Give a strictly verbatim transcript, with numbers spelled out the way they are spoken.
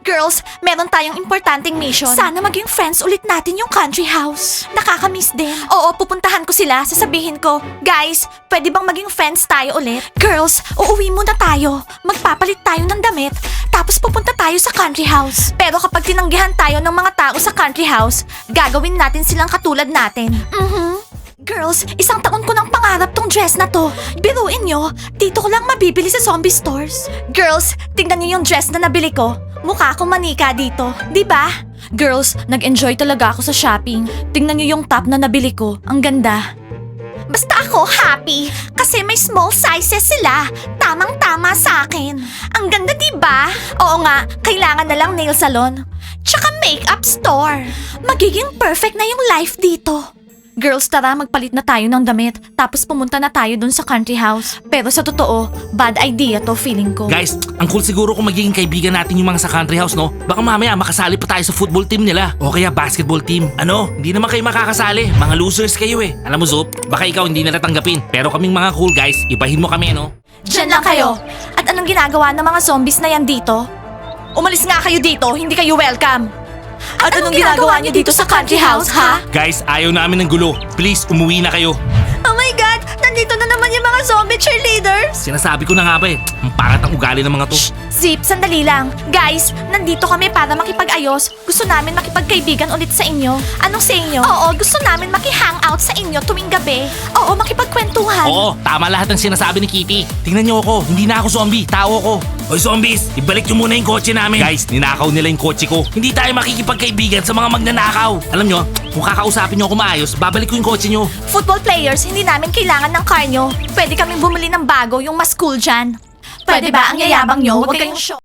Girls, meron tayong importanteng mission. Sana maging friends ulit natin yung country house. Nakakamiss din. Oo, pupuntahan ko sila. Sasabihin ko, guys, pwede bang maging friends tayo ulit? Girls, uuwi muna tayo. Magpapalit tayo ng damit. Tapos pupunta tayo sa country house. Pero kapag tinanggihan tayo ng mga tao sa country house, gagawin natin silang katulad natin. Mhm. Girls, isang taon ko nang pangarap tong dress na to. Biruin nyo, dito ko lang mabibili sa zombie stores. Girls, tingnan nyo yung dress na nabili ko. Mukha akong manika dito, di ba? Girls, nag-enjoy talaga ako sa shopping. Tingnan nyo yung top na nabili ko. Ang ganda. Basta ako happy kasi may small sizes sila. Tamang-tama sa akin. Ang ganda, di ba? Oo nga, kailangan na lang nail salon. Tsaka makeup store. Magiging perfect na yung life dito. Girls, tara, magpalit na tayo ng damit. Tapos pumunta na tayo dun sa country house. Pero sa totoo, bad idea to feeling ko. Guys, ang cool siguro kung magiging kaibigan natin yung mga sa country house, no? Baka mamaya makasali pa tayo sa football team nila. O kaya basketball team. Ano? Hindi naman kayo makakasali. Mga losers kayo eh. Alam mo, Zoop, baka ikaw hindi nila tanggapin. Pero kaming mga cool guys, ibahin mo kami, no? Diyan lang kayo. At anong ginagawa ng mga zombies na yan dito? Umalis nga kayo dito, hindi kayo welcome. At, anong, ginagawa niyo dito sa country house, ha? Guys, ayaw namin ng gulo. Please, umuwi na kayo. Oh my God! Nandito na naman yung mga zombie cheerleaders! Sinasabi ko na nga ba eh. Ang pangat ang ugali ng mga to. Zip, sandali lang. Guys, nandito kami para makipag-ayos. Gusto namin makipagkaibigan ulit sa inyo. Anong sa inyo? Oo, gusto namin maki-hangout sa inyo tuwing gabi. Oo, makipagkwentuhan. Oo, tama lahat ng sinasabi ni Kitty. Tingnan niyo ako, hindi na ako zombie, tao ako. Hoy zombies, ibalik niyo muna yung kotse namin. Guys, ninakaw nila yung kotse ko. Hindi tayo makikipagkaibigan sa mga magnanakaw. Alam niyo, kung kakausapin niyo ako maayos, babalik ko yung kotse niyo. Football players, hindi namin kailangan ng car nyo. Pwede kaming bumili ng bago, yung mas cool dyan. Pwede ba ang yayabang nyo? Huwag kayong show.